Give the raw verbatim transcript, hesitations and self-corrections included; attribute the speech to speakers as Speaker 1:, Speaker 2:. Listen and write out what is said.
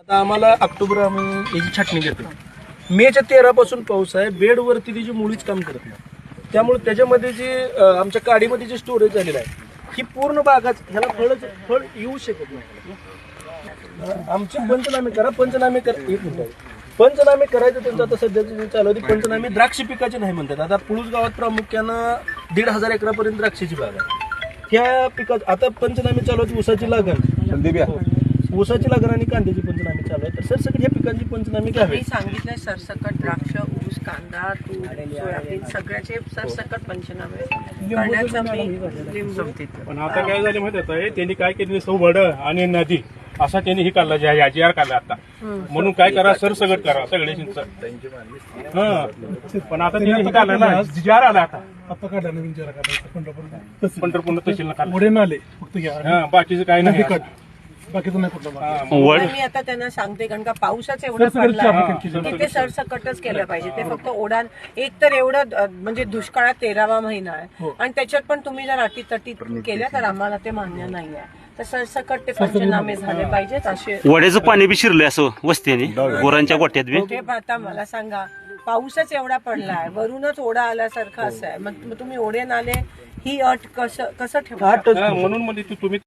Speaker 1: आता आम्हाला ऑक्टोबर आम्ही याची छाटणी घेतो. मेच्या तेरा पासून पाऊस आहे. बेडवरती त्याची मुळीच काम करत नाही. त्यामुळे त्याच्यामध्ये जे अं, आमच्या काडीमध्ये जे स्टोरेज झालेलं आहे ही पूर्ण बागाच ह्याला फळच फळ येऊ शकत नाही. अं, आमचे पंचनामे करा पंचनामे करा एक मिनिट पंचनामे करायचं त्यांचं आता सध्याचे चालू होती. पंचनामे द्राक्ष पिकाचे नाही म्हणतात. आता पुळूस गावात प्रामुख्यानं दीड हजार एकरापर्यंत द्राक्षाची बाग आहे. त्या पिकात आता पंचनामे चालू होती. ऊसाची लागण ऊसाची लागण आणि कांद्याची पंचनामे चालू आहे. तर सरसकट ह्या पिकांची पंचनामे घ्यावी.
Speaker 2: मी सांगितलंय सरसकट द्राक्ष, ऊस, कांदा, तूर, सोयाबीन सगळ्याचे सरसकट पंचनामे करण्याचा मी लिंबू.
Speaker 3: पण आता काय झालं माहिती आहे त्यांनी काय केलं सौवड आणि नदी असा त्यांनी ही काढला जी जी आर काढला आता म्हणून काय करा सरसगट करा सगळे चिंच. हा पण आता त्यांनी हे काढलं ना जी आर आला आता
Speaker 4: आता काढला नवीन जरा काढायचा
Speaker 3: पंढरपूर तहसीलला काढला.
Speaker 4: पुढे नाले फक्त घ्या
Speaker 3: हा बाकीचं काय नाही.
Speaker 4: बाकीचं नाही कुठलं
Speaker 2: पण मी आता त्यांना सांगते कारण का पावसाच एवढं पडला तिथे सरसकटच केलं पाहिजे. ते फक्त ओढा एक तर एवढं अ, म्हणजे दुष्काळात तेरावा महिना आहे आणि त्याच्यात पण तुम्ही जर अटीतटी केल्या तर आम्हाला ते मान्य नाही आहे. तर सरसकट ते पंचनामे झाले पाहिजेत असे.
Speaker 5: वड्याचं पाणी बी शिरलंय असं वस्तीने गुरांच्या गोट्यात बी.
Speaker 2: ते आता मला सांगा पाऊसच एवढा पडलाय वरूनच ओढा आल्यासारखं असं आहे. मग तुम्ही ओढे नाले ही अट कसं कसं ठेवा
Speaker 3: म्हणून म्हणजे तुम्ही